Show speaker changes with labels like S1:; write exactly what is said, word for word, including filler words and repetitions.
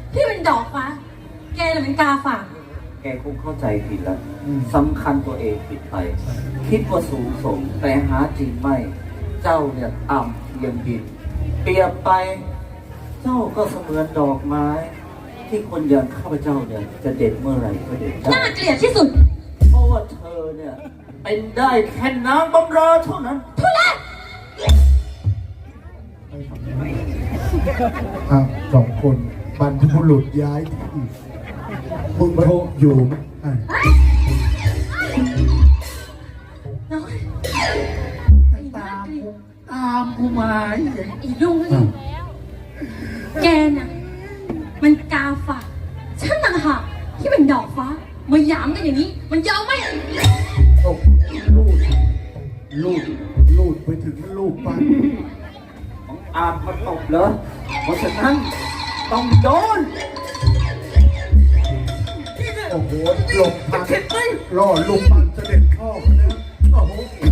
S1: พี่เป็นดอกฟ้าแกน่ะเป็นกาฝาก
S2: แกคงเข้าใจผิดแล้วสำคัญตัวเองผิดไป คิดว่าสูงส่งแต่หาจริงไม่ เจ้าเนี่ยต่ำเพียงดินเปรียบไป เจ้าก็เสมือนดอกไม้ ที่คนอย่างข้าพเจ้าเนี่ยจะเด็ดเมื่อไหร่ก็เด็ดได้
S1: น่าเกลียดที่สุด
S2: เพราะว่าเธอเนี่ยเป็นได้แค่น้ำบำราเท่านั้น
S1: ทุเรศ
S3: อ่ะสองคนบรรพบุรุษย้ายที่มึงโทรอยู่ไหมอ่ะ
S1: น้อยไอ้น่าเกลียด
S3: ตามกูมา
S1: ไอ้ลุงนี่แกน่ะมันกาฝากฉันต่างหากที่เป็นดอกฟ้ามาหยามกันอย่างนี้ มันยาวไหม
S3: ตกลูดลูดลูดไปถึงลูกปั้น
S2: ของอาบมาตบเหรอเพราะฉะนั้นต้องโดน
S3: โอ้โหหลบทัน
S2: เข็ดไหม
S3: ล่อลูกปั้นเสด็จพ่อคนนี้โอ้โห